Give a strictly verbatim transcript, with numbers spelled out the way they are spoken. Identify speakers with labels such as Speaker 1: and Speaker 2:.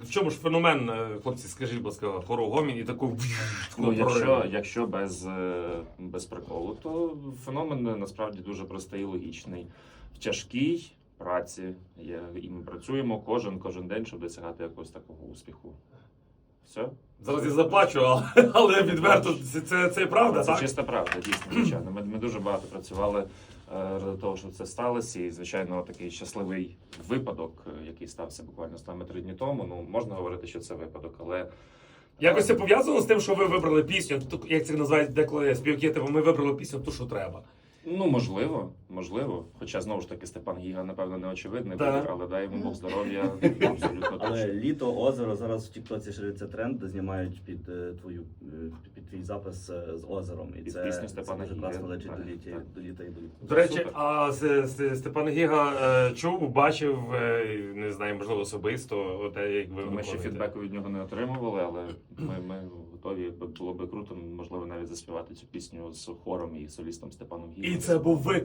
Speaker 1: в чому ж феномен, е, хлопці, скажіть, будь ласка, хору Гомін і таку...
Speaker 2: Ну, якщо, якщо без, е, без приколу, то феномен насправді дуже простий і логічний. В тяжкій праці є, і ми працюємо кожен, кожен день, щоб досягати якогось такого успіху. Все?
Speaker 1: Зараз я заплачу, але, але відверто, це, це, це правда,
Speaker 2: Це
Speaker 1: так?
Speaker 2: чиста правда, дійсно, звичайно. Ми, ми дуже багато працювали е, для того, щоб це сталося. І, звичайно, такий щасливий випадок, е, який стався буквально з нами три дні тому. Ну, можна говорити, що це випадок, але
Speaker 1: Якось це пов'язано з тим, що ви вибрали пісню, ту- як це називають деколи співаки, типу, ми вибрали пісню ту, що треба.
Speaker 2: ну, можливо, можливо. Хоча, знову ж таки, Степан Гіга, напевно, не очевидний
Speaker 1: Так.
Speaker 2: вибір, але дай йому Бог здоров'я, абсолютно
Speaker 3: Але
Speaker 2: точно.
Speaker 3: літо, озеро, зараз в Тіктоці шириться тренд, де знімають під е, твою е, під твій запис е, з озером. І
Speaker 2: Під
Speaker 3: це,
Speaker 2: пісню
Speaker 3: це
Speaker 2: Степана
Speaker 3: дуже
Speaker 2: Гіги,
Speaker 3: класно лечить
Speaker 2: так,
Speaker 3: до літа,
Speaker 2: так.
Speaker 3: до літа і до літа.
Speaker 1: До речі,
Speaker 2: Супер.
Speaker 1: а С- С- Степан Гіга е, чув, бачив, е, не знаю, можливо, особисто, те, як ви
Speaker 2: Ми ще
Speaker 1: виконуєте.
Speaker 2: фідбеку від нього не отримували, але ми, ми готові, було би круто, можливо, навіть заспівати цю пісню з хором і солістом Степаном Гігом.
Speaker 1: І це був ви.